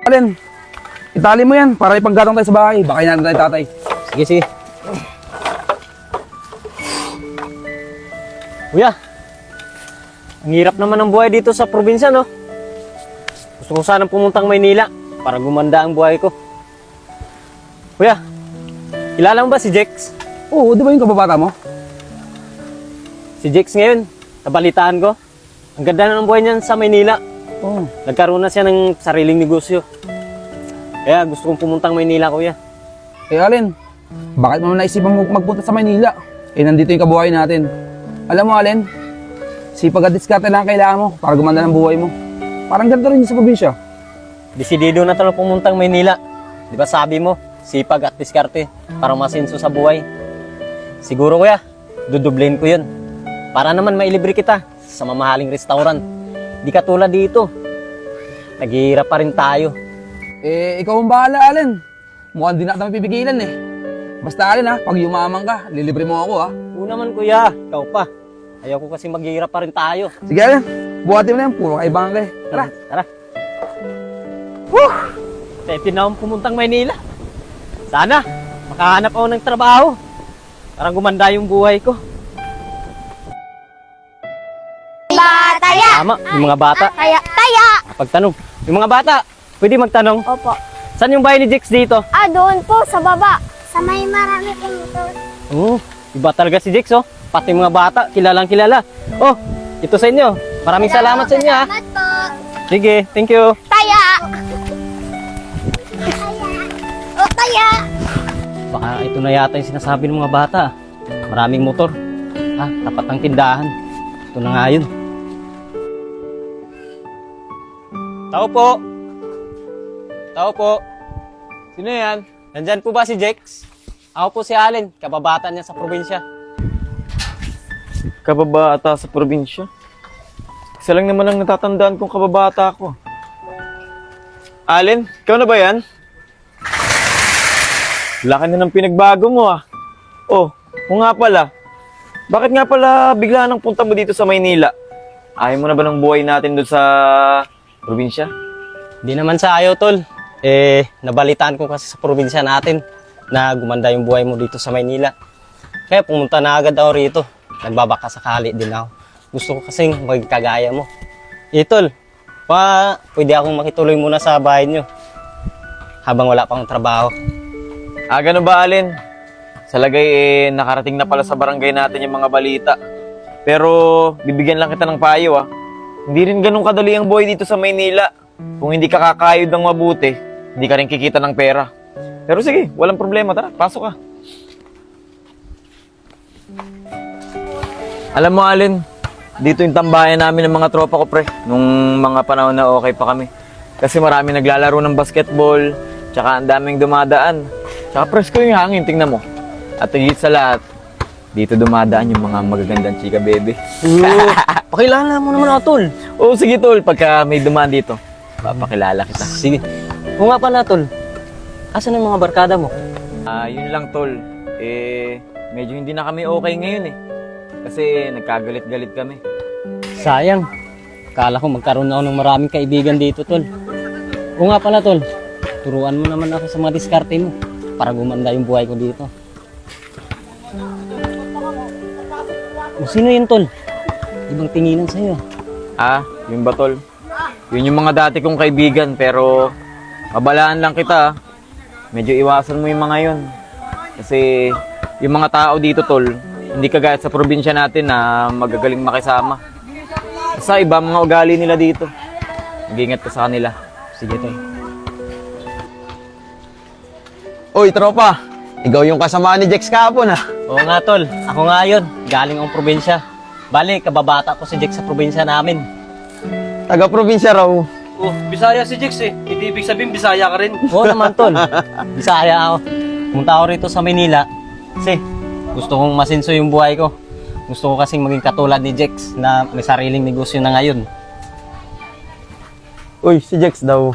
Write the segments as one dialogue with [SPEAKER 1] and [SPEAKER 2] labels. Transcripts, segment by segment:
[SPEAKER 1] Alin, itali mo yan para ipanggatong tayo sa bahay. Baka natin tayo tatay.
[SPEAKER 2] Sige, sige. Kuya, ang hirap naman ng buhay dito sa probinsya, no? Gusto ko sanang pumuntang Maynila para gumanda ang buhay ko. Kuya, kilala mo ba si Jex?
[SPEAKER 1] Oo, di ba yung kababata mo?
[SPEAKER 2] Si Jex ngayon, nabalitaan ko. Ang ganda na ng buhay niyan sa Maynila.
[SPEAKER 1] Oo.
[SPEAKER 2] Nagkaroon na siya ng sariling negosyo. Kaya gusto kong pumuntang Maynila, kuya.
[SPEAKER 1] Eh Alin, bakit mo naisipan mo magpunta sa Maynila? Eh nandito yung kabuhay natin. Alam mo Alin, sipag at diskarte lang kailangan mo para gumanda ng buhay mo. Parang ganito rin sa probinsya.
[SPEAKER 2] Desidido na talaga pumuntang Maynila. Di ba sabi mo, sipag at diskarte para masinso sa buhay. Siguro kuya, dudublein ko yun. Para naman mailibre kita sa mamahaling restaurant. Di katulad dito. Naghihirap pa rin tayo.
[SPEAKER 1] Eh, ikaw ang bahala, Alin. Mukhang di na kita mapipigilan eh. Basta Alin ha, pag yumaman ka, lilibre mo ako ha.
[SPEAKER 2] Oo naman kuya, ikaw pa. Ayaw ko kasi maghihirap pa rin tayo.
[SPEAKER 1] Sige Alin, buhatin mo na yan, puro kaibangan ka eh. Tara.
[SPEAKER 2] Tara. Woo! Pwede na akong pumuntang Maynila. Sana, makahanap ako ng trabaho. Para gumanda yung buhay ko.
[SPEAKER 3] Taya!
[SPEAKER 2] Tama, yung mga bata.
[SPEAKER 3] Taya!
[SPEAKER 2] Pagtanong, yung mga bata, pwede magtanong.
[SPEAKER 3] Opo.
[SPEAKER 2] Saan yung bahay ni Jex dito?
[SPEAKER 3] Doon po, sa baba. Sa may marami pong motor.
[SPEAKER 2] Oo, iba talaga si Jex, oh. Pati mga bata, kilalang kilala. Oh, ito sa inyo. Maraming salamat sa inyo, ha.
[SPEAKER 3] Salamat po.
[SPEAKER 2] Sige, thank you.
[SPEAKER 3] Taya! O, taya!
[SPEAKER 2] Baka ito na yata yung sinasabi ng mga bata. Maraming motor. Tapat ng tindahan. Ito na nga yun. Tao po. Tao po.
[SPEAKER 4] Sino yan?
[SPEAKER 2] Nandyan po ba si Jex? Ako po si Allen, kababata niya sa probinsya.
[SPEAKER 4] Kababata sa probinsya? Isa lang naman ang natatandaan kong kababata ko. Allen, ikaw na ba yan? Laki na ng pinagbago mo ah. Oh, o nga pala. Bakit nga pala bigla nang punta mo dito sa Maynila? Ayaw mo na ba ng buhay natin doon sa probinsya?
[SPEAKER 2] Di naman sa ayaw, tol. Nabalitaan ko kasi sa probinsya natin na gumanda yung buhay mo dito sa Maynila. Kaya pumunta na agad ako rito. Nagbabaka sakali din ako. Gusto ko kasing magkagaya mo. Tol, pwede akong makituloy muna sa bahay nyo habang wala pang trabaho.
[SPEAKER 4] Ganun ba, Allen? Sa lagay, nakarating na pala sa barangay natin yung mga balita. Pero, bibigyan lang kita ng payo, ah. Hindi rin ganun kadali ang buhay dito sa Maynila. Kung hindi ka kakayod ng mabuti, hindi ka rin kikita ng pera. Pero sige, walang problema. Tara, pasok ka. Alam mo, Allen, dito yung tambayan namin ng mga tropa ko, pre. Nung mga panahon na okay pa kami. Kasi marami naglalaro ng basketball, tsaka ang daming dumadaan. Tsaka presko yung hangin, tingnan mo. At higit sa lahat, dito dumadaan yung mga magagandang chika, bebe.
[SPEAKER 2] Pakilala mo naman ako, tol.
[SPEAKER 4] Oo, sige, tol. Pagka may dumaan dito, papakilala kita.
[SPEAKER 2] Sige. Kung nga pala, tol. Asan ang mga barkada mo?
[SPEAKER 4] Yun lang, tol. Medyo hindi na kami okay ngayon eh. Kasi nagkagalit-galit kami.
[SPEAKER 2] Sayang. Akala ko magkaroon ako ng maraming kaibigan dito, tol. O nga pala, tol. Turuan mo naman ako sa mga diskarte mo para gumanda yung buhay ko dito. O sino yun, tol? Ibang tinginan sa'yo.
[SPEAKER 4] Yun ba, tol? Yun yung mga dati kong kaibigan, pero mabalaan lang kita. Medyo iwasan mo yung mga yun. Kasi yung mga tao dito, tol, hindi kagaya sa probinsya natin na magagaling makisama. Sa iba, mga ugali nila dito. Mag-ingat ka sa kanila.
[SPEAKER 2] Sige, tol.
[SPEAKER 5] Uy, tropa! Ikaw yung kasama ni Jex kahapon, ha?
[SPEAKER 2] Oo nga, tol. Ako nga yun. Galing akong probinsya. Bali, kababata ko si Jex sa probinsya namin.
[SPEAKER 5] Taga-probinsya raw.
[SPEAKER 6] Oh, Bisaya si Jex eh. Hindi ibig sabihin Bisaya ka rin.
[SPEAKER 2] Oo naman, tol. Bisaya ako. Pumunta ako rito sa Maynila kasi gusto kong masinso yung buhay ko. Gusto ko kasing maging katulad ni Jex na may sariling negosyo na ngayon.
[SPEAKER 5] Uy, si Jex daw.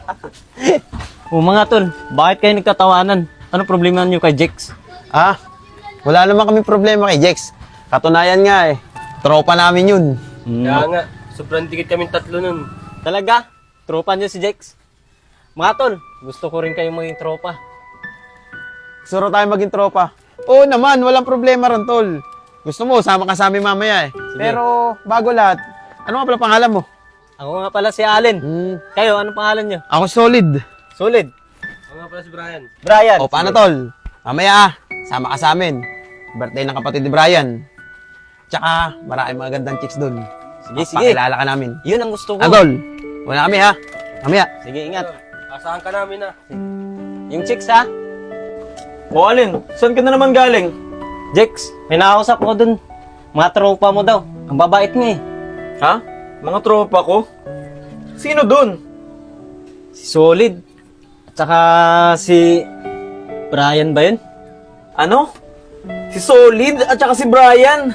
[SPEAKER 2] Mga tol, bakit kayo nagtatawanan? Ano problema niyo kay Jex?
[SPEAKER 5] Wala naman kami problema kay Jex. Katunayan nga eh. Tropa namin yun.
[SPEAKER 6] Kaya nga, sobrang dikit kaming tatlo nun.
[SPEAKER 2] Talaga? Tropa niyo si Jex? Mga tol, gusto ko rin kayo maging tropa.
[SPEAKER 5] Gusto tayo maging tropa. Oo naman, walang problema ron, tol. Gusto mo, sama ka sa amin mamaya eh. Pero, bago lahat, ano nga pala pangalan mo?
[SPEAKER 2] Ako nga pala si Allen. Kayo, anong pangalan nyo?
[SPEAKER 5] Ako solid.
[SPEAKER 2] Solid.
[SPEAKER 6] Ako nga pala si Brian.
[SPEAKER 2] Brian.
[SPEAKER 5] O, paano, tol? Mamaya sama ka sa amin. Birthday ng kapatid ni Brian. Tsaka, maraming mga gandang chicks doon.
[SPEAKER 2] Sige, sige.
[SPEAKER 5] Pakilala ka namin.
[SPEAKER 2] Yun ang gusto ko.
[SPEAKER 5] Agol, wala kami ha. Mamaya.
[SPEAKER 2] Sige, ingat.
[SPEAKER 6] Asahan ka namin na.
[SPEAKER 2] Yung chicks ha?
[SPEAKER 4] O Alin, saan ka na naman galing?
[SPEAKER 2] Jex, may nakausap ko dun. Mga tropa mo daw. Ang babait nga eh.
[SPEAKER 4] Ha? Mga tropa ko? Sino dun?
[SPEAKER 2] Si Solid. At saka si Brian ba yun?
[SPEAKER 4] Ano? Si Solid at saka si Brian.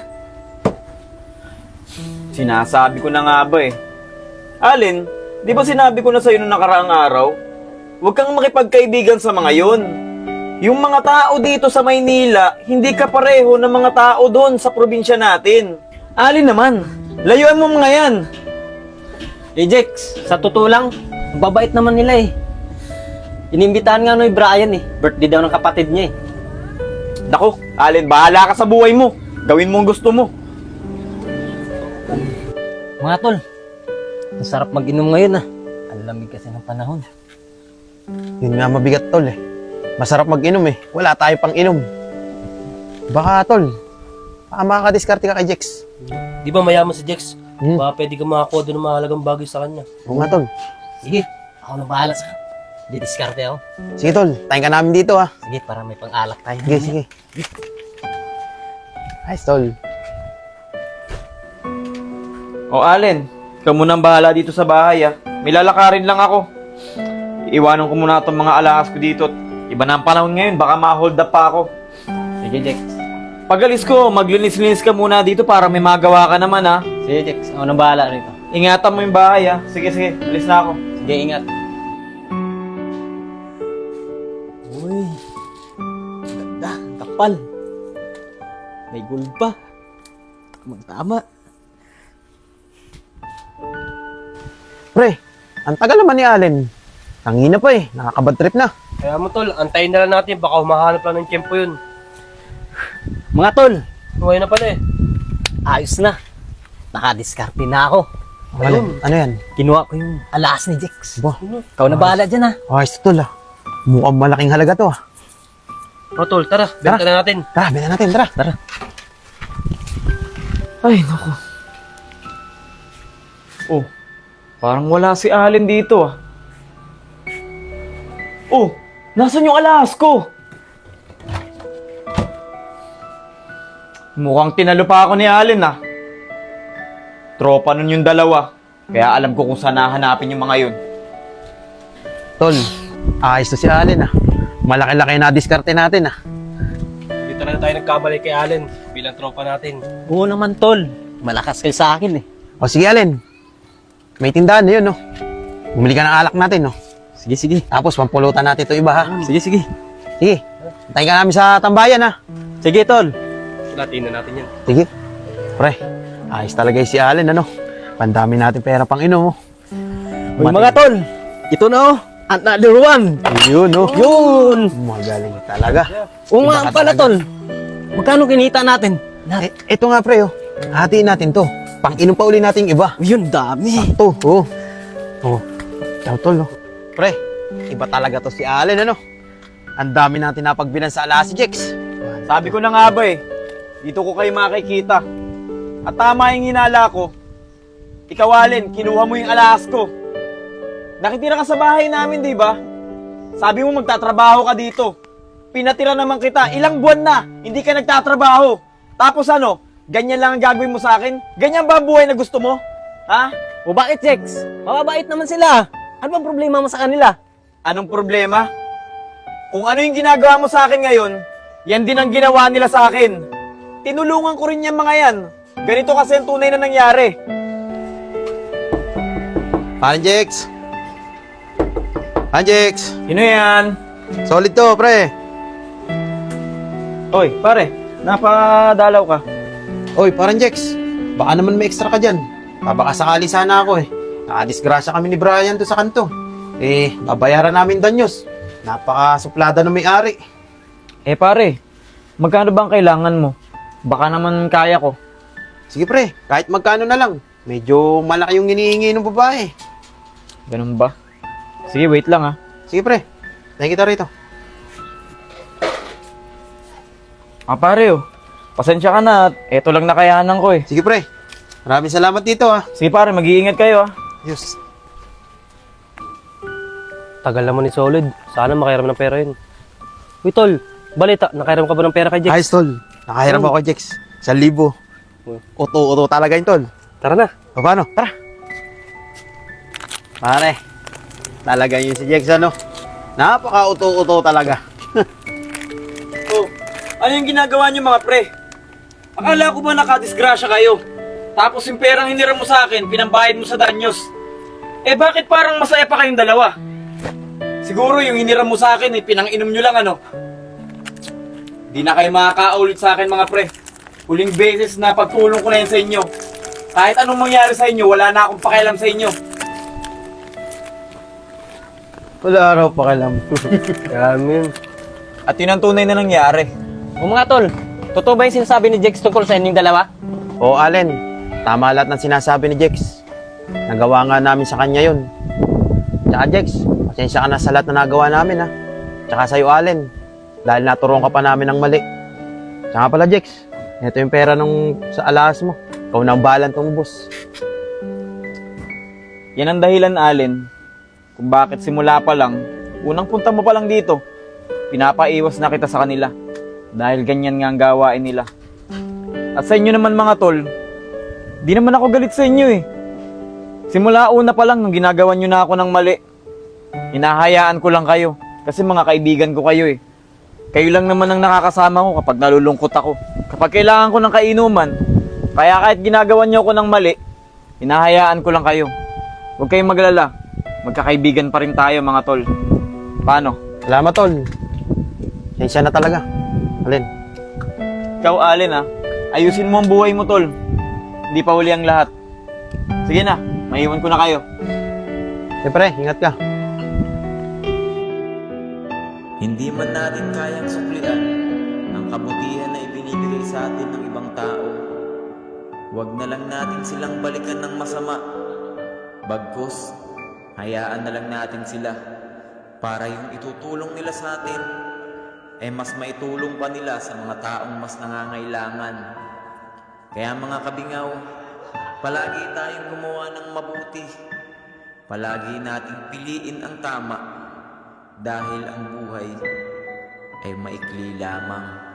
[SPEAKER 4] Sinasabi ko na nga ba eh. Alin, di ba sinabi ko na sa'yo nung nakaraang araw? Huwag kang makipagkaibigan sa mga yun. Yung mga tao dito sa Maynila, hindi ka pareho ng mga tao doon sa probinsya natin. Alin naman, layuan mo mga yan.
[SPEAKER 2] Eh Jex, sa totoo lang, ang babait naman nila eh. Inimbitahan nga ni Brian eh. Birthday daw ng kapatid niya eh.
[SPEAKER 4] Naku, Alin, bahala ka sa buhay mo. Gawin mo ang gusto mo.
[SPEAKER 2] Mga tol, ang sarap mag-inom ngayon ah. Ang lamig kasi ng panahon.
[SPEAKER 5] Yun nga mabigat, tol eh. Masarap mag-inom eh. Wala tayo pang inom. Baka, tol, baka makakadiskarte ka kay Jex.
[SPEAKER 6] Di ba mayaman si Jex?
[SPEAKER 5] Hmm.
[SPEAKER 6] Baka pwede ka makakuha doon ng mahalagang bagay sa kanya.
[SPEAKER 5] Oo nga, tol.
[SPEAKER 2] Sige, ako na bahala sa didiskarte ako.
[SPEAKER 5] Sige, tol. Tayo ka namin dito ha.
[SPEAKER 2] Sige, para may pang-alak tayo.
[SPEAKER 5] Sige, sige. Ayos, tol.
[SPEAKER 4] O Alin, ikaw munang bahala dito sa bahay ah. May lalakarin lang ako. Iiwanan ko muna itong mga alahas ko dito. Iba na ang panahon ngayon, baka ma-hold up pa ako.
[SPEAKER 2] Sige, Jex.
[SPEAKER 4] Pag-alis ko, maglinis-linis ka muna dito para may magawa ka naman ha.
[SPEAKER 2] Sige, Jex. Ako na bahala rito.
[SPEAKER 4] Ingatan mo yung bahay ha. Sige, sige, alis na ako.
[SPEAKER 2] Sige, ingat. Uy, ganda. Ang kapal. May gold pa. Tama.
[SPEAKER 5] Pre, ang tagal naman ni Allen. Tangina pa eh. Nakakabad trip na.
[SPEAKER 6] Kaya mo tol, antayin na lang natin. Baka humahanap lang ng tiyempo yun.
[SPEAKER 2] Mga tol,
[SPEAKER 6] Huwag na pala eh.
[SPEAKER 2] ayos na. Nakadiskarte na ako.
[SPEAKER 5] Allen, ano yan?
[SPEAKER 2] Kinuha ko yung alas ni Jex.
[SPEAKER 5] Ba,
[SPEAKER 2] Ikaw na bahala dyan ha.
[SPEAKER 5] ayos tol ah. Mukhang malaking halaga to ah.
[SPEAKER 6] O tol, tara. Benta na natin.
[SPEAKER 5] Tara, benta natin, tara.
[SPEAKER 2] Tara.
[SPEAKER 4] Ay, naku. Oh, parang wala si Allen dito ah. Oh, nasan yung alahas ko? Mukhang tinalo pa ako ni Allen ah. Tropa nun yung dalawa. Kaya alam ko kung saan hahanapin yung mga yun.
[SPEAKER 5] Tol, ayos to si Allen ah. Malaki-laki na diskarte natin ah.
[SPEAKER 6] Dito na tayo nagkamali kay Allen bilang tropa natin.
[SPEAKER 2] Oo naman tol. Malakas kayo sa akin eh.
[SPEAKER 5] O sige Allen, may tindahan na yun no. Bumili ka ng alak natin no.
[SPEAKER 2] Sige, sige.
[SPEAKER 5] Tapos pampulutan natin ito iba ha.
[SPEAKER 2] Sige, sige.
[SPEAKER 5] Sige, tayo ka namin sa tambayan ha.
[SPEAKER 2] Sige tol.
[SPEAKER 6] Latin na natin yan.
[SPEAKER 5] Sige. Pre, ayos talaga yung si Allen ano. Pandami natin pera pang inom oh.
[SPEAKER 2] Uy mga tol. Ito na oh. Another one.
[SPEAKER 5] Yun oh.
[SPEAKER 2] Yun.
[SPEAKER 5] Magaling talaga.
[SPEAKER 2] Oo nga
[SPEAKER 5] Iba ka
[SPEAKER 2] pala
[SPEAKER 5] talaga.
[SPEAKER 2] tol. Magkano kinita natin?
[SPEAKER 5] Ito nga pre oh. Hatiin natin to. Pang inom pa uli natin yung iba.
[SPEAKER 2] Yun, dami.
[SPEAKER 5] Sakto, oh. Oh, ciao tol, oh. Pre, iba talaga to si Allen, ano? Ang dami natin napagbilan sa ala si Jex.
[SPEAKER 4] Sabi ko na nga ba eh, dito ko kayo makikita. At tama yung hinala ko. Ikaw Allen, kinuha mo yung alahas ko. Nakitira ka sa bahay namin, di ba? Sabi mo magtatrabaho ka dito. Pinatira naman kita, ilang buwan na, hindi ka nagtatrabaho. Tapos ano, ganyan lang ang gagawin mo sa akin? Ganyan ba ang buhay na gusto mo? Ha?
[SPEAKER 2] O bakit, Jex? Mababait naman sila. Ano bang problema mo sa kanila?
[SPEAKER 4] Anong problema? Kung ano yung ginagawa mo sa akin ngayon, yan din ang ginawa nila sa akin. Tinulungan ko rin yung mga yan. Ganito kasi ang tunay na nangyari.
[SPEAKER 5] Paano, Jex? Jex?
[SPEAKER 4] Sino yan?
[SPEAKER 5] Solid to, pre.
[SPEAKER 4] Oy, pare, napadalaw ka.
[SPEAKER 5] Oy, parang Jex. Baka naman may extra ka dyan. Baka sakali sana ako eh. Nakadisgrasya kami ni Brian to sa kanto. babayaran namin danyos. Napaka-suplada ng may-ari.
[SPEAKER 4] Eh pare, magkano bang kailangan mo? Baka naman kaya ko.
[SPEAKER 5] Sige pre, kahit magkano na lang. Medyo malaki yung hinihingi ng babae.
[SPEAKER 4] Ganun ba? Sige, wait lang ah.
[SPEAKER 5] Sige pre, tayo kita rito.
[SPEAKER 4] Pare oh, pasensya ka na at eto lang nakayanan ko eh.
[SPEAKER 5] Sige pre, maraming salamat dito ah.
[SPEAKER 4] Sige pare, mag-iingat kayo ah.
[SPEAKER 5] Yes.
[SPEAKER 6] Tagal naman ni Solid. Sana makairam ng pera yun. Uy, tol. Balita, nakairam ka ba ng pera kay Jex?
[SPEAKER 5] Ayos tol, nakahiram ako Jex. 1,000. Uto-uto talaga yun tol.
[SPEAKER 6] Tara na.
[SPEAKER 5] O paano? Tara. Pare, talaga yun si Jex ano. Napaka-uto-uto talaga.
[SPEAKER 4] Oh, ano yung ginagawa niyo mga pre? Akala ko ba nakadisgrasya kayo? Tapos yung perang hiniram mo sa akin, pinambayad mo sa danyos. Eh bakit parang masaya pa kayong dalawa? Siguro yung hiniram mo sa akin, pinang-inom nyo lang ano? Di na kayo makakaulit sa akin mga pre. Huling beses na pagtulong ko na yan sa inyo. Kahit anong mangyari sa inyo, wala na akong pakialam sa inyo.
[SPEAKER 5] Wala raw pakialam.
[SPEAKER 6] Dami yun.
[SPEAKER 4] At yun ang tunay na nangyari.
[SPEAKER 2] O mga tol, totoo ba yung sinasabi ni Jex tungkol sa inyong dalawa?
[SPEAKER 5] Oo Allen, tama lahat ng sinasabi ni Jex. Nagawa nga namin sa kanya yun. Tsaka Jex, pasensya ka na sa lahat na nagawa namin ha. Tsaka sa'yo Allen, dahil naturuan ka pa namin ng mali. Tsaka pala Jex, ito yung pera nung sa alahas mo. Ikaw na ang bahalang tumbos.
[SPEAKER 4] Yan ang dahilan, Allen, kung bakit simula pa lang, unang punta mo pa lang dito, pinapaiwas na kita sa kanila. Dahil ganyan nga ang gawain nila. At sa inyo naman mga tol, di naman ako galit sa inyo eh. Simula una pa lang nung ginagawa nyo na ako ng mali, hinahayaan ko lang kayo. Kasi mga kaibigan ko kayo eh. Kayo lang naman ang nakakasama ko kapag nalulungkot ako. Kapag kailangan ko ng kainuman, kaya kahit ginagawa nyo ako ng mali, hinahayaan ko lang kayo. Huwag kayong maglala. Magkakaibigan pa rin tayo mga tol. Paano?
[SPEAKER 5] Salamat tol. Pasensya na talaga. Allen.
[SPEAKER 4] Ikaw, Allen ah, ayusin mo ang buhay mo tol. Hindi pa huli ang lahat. Sige na, maiwan ko na kayo.
[SPEAKER 5] Siyempre, ingat ka.
[SPEAKER 7] Hindi man natin kayang suklian ang kabutihan na ibinibigay sa atin ng ibang tao. Huwag na lang natin silang balikan ng masama. Bagkus, hayaan na lang natin sila para yung itutulong nila sa atin ay mas maitulong pa nila sa mga taong mas nangangailangan. Kaya mga kabingaw, palagi tayong gumawa ng mabuti. Palagi nating piliin ang tama dahil ang buhay ay maikli lamang.